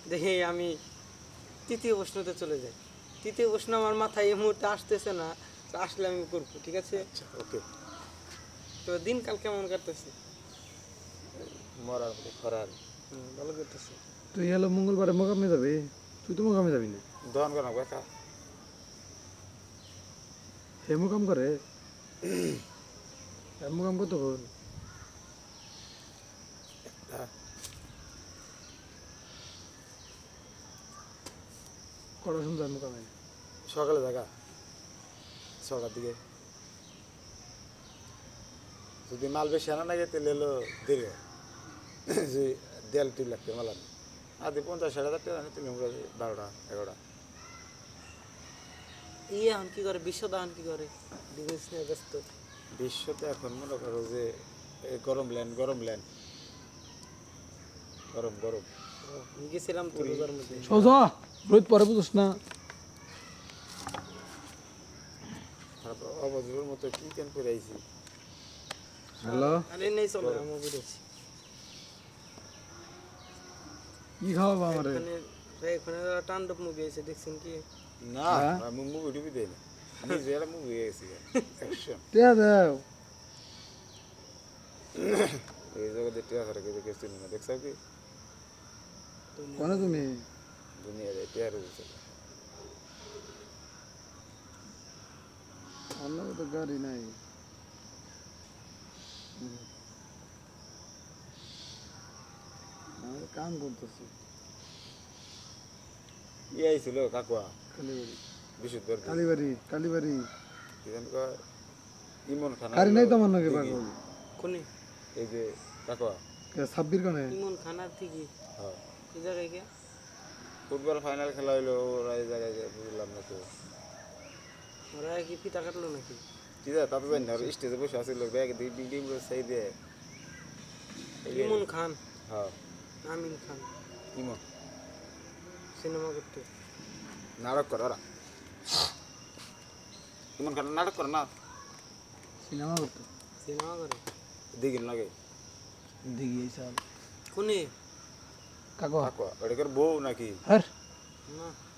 দেখি আমি তৃতীয় প্রশ্নতে চলে যাই। তৃতীয় প্রশ্ন আমার মাথায় এই মুহূর্তে আসতেছে না, তো আসলে আমি করবো, ঠিক আছে? আচ্ছা ওকে। তো দিনকাল কেমন কাটতেছে? মরার মতো খরার ভালো কাটতেছে। তুই হলো মঙ্গলবারে মোকামে যাবি, তুই তো মোকামে যাবি না। দহন করা কথা হে মোকাম করে মোকাম কত হল? কটা শুনতে মোকামে? সকালে জায়গা 6টার দিকে, যদি মাল বেশি আনা না গেতে এলো দেরি হয়। যে দেয়াল টিল লাগতে মাল আনে আদি 50-60 হাজার টাকা আনি, 12টা 11টা। এখন কি করে বিশ্বদাহন কি করে? বিজনেস নিয়ে ব্যস্ত। বিশ্বতে এখন মনে করো যে এই গরম ল্যান্ড গরম আমি গেছিলাম তো রোজার মধ্যে। সোজা রোহিত পরে বুঝোস না। তারপর অবজীবের মতো কি কেন করে আইছি। হ্যালো, আরে নেই চলে আমি বেরোচ্ছি। কি খাওয়াবো আমারে? এখানে টান্ডব মুভি আছে, দেখছেন কি? না আমি মুভি টুবি দেই না, নিজে একটা মুভি গেছি অ্যাকশন। টিয়া দেও। এই জগতে টিয়া ছাড়া কেউ কেউ চিনি না, দেখছো কি কোনে তুমি? দুনিয়াতে টিয়ার বুঝছে অন্য তো গাড়ি নাই। আমি কাম করতেছি ই আইছিল কাকুয়া কালীবাড়ি। বিশুদ্ধ কালীবাড়ি ইমন খান গাড়ি নাই তো আমার নাকি পাগল। কোনে? এই যে কাকুয়া ছাব্বির কানে ইমন খানার থেকে হ্যাঁ এই জায়গায় গিয়া ফুটবল ফাইনাল খেলা হইলো, ওরা এই জায়গায় যায় বুঝলাম না তো ওরা কি ফিতা কাটলো নাকি? ঠিক আছে। তাতে জানি না স্টেজে বসে আসছিল ব্যাগ দিয়ে ডিং ডিং করে সেই দিয়ে ইমন খান, হ্যাঁ আমিন খান ইমন সিনেমা করতে। নাটক করে ওরা, ইমন খান নাটক করে না, সিনেমা করতো সিনেমা করে দিঘির লাগে দেখি এইসব কোনে? কাকো কাকুয়া ওটাকে বউ নাকি হ্যাঁ না